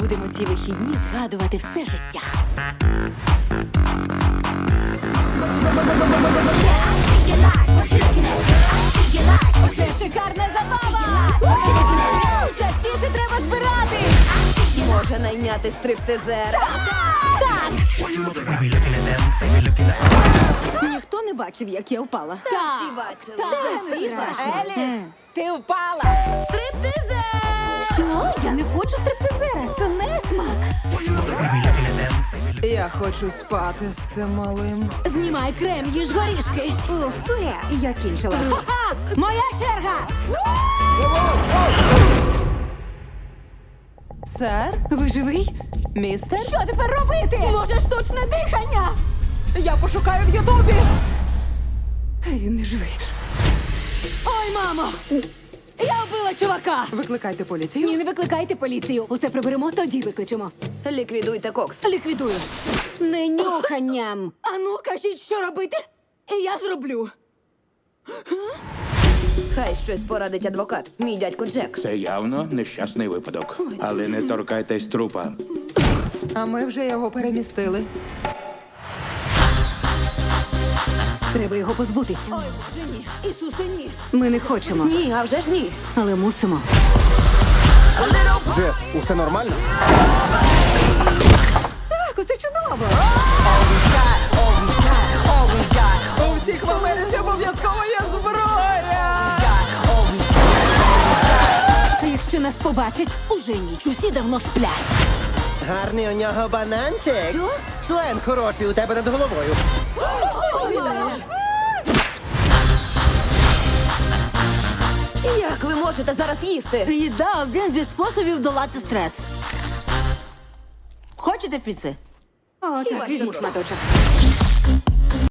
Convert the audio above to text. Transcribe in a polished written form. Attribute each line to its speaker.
Speaker 1: Будемо ці вихідні згадувати все життя. Це шикарна забава! Частіше треба збирати!
Speaker 2: Може найняти стриптизера?
Speaker 1: Так! Ніхто не бачив, як я впала.
Speaker 2: Всі бачили.
Speaker 1: Всі бачили.
Speaker 2: Еліс, ти впала.
Speaker 1: Стриптизер! Що? Я не хочу стриптизера. Це не смак.
Speaker 3: Я хочу спати з цим малим.
Speaker 1: Знімай крем, їж горішки. Ух, я кінчила. Ха-ха! Моя черга!
Speaker 3: Сер?
Speaker 1: Ви живий?
Speaker 3: Містер?
Speaker 1: Що тепер робити? Може, штучне дихання?
Speaker 3: Я пошукаю в Ютубі.
Speaker 1: Він не живий. Ой, мамо! Я вбила чувака!
Speaker 3: Викликайте поліцію.
Speaker 1: Ні, не викликайте поліцію. Усе приберемо, тоді викличемо.
Speaker 2: Ліквідуйте кокс.
Speaker 1: Ліквідую. Не нюханням. Ану, кажіть, що робити? І я зроблю.
Speaker 2: Хай щось порадить адвокат. Мій дядько Джек.
Speaker 4: Це явно нещасний випадок. Але не торкайтесь трупа.
Speaker 3: А ми вже його перемістили.
Speaker 1: Треба його позбутися. Ой, Боже, ні. Ісусе, ні. Ми не хочемо,
Speaker 2: Ні, а вже ж ні.
Speaker 1: але мусимо.
Speaker 5: Джес, усе нормально?
Speaker 1: Так, усе чудово.
Speaker 3: У всіх в Америці обов'язково є зброя!
Speaker 1: Якщо нас побачать, уже ніч. Усі давно сплять.
Speaker 5: Гарний у нього бананчик.
Speaker 1: Що?
Speaker 5: Член хороший у тебе над головою.
Speaker 2: Як ви можете зараз їсти?
Speaker 1: Їда – один зі способів долати стрес. Хочете, Фіце? О, так, візьму шматочок.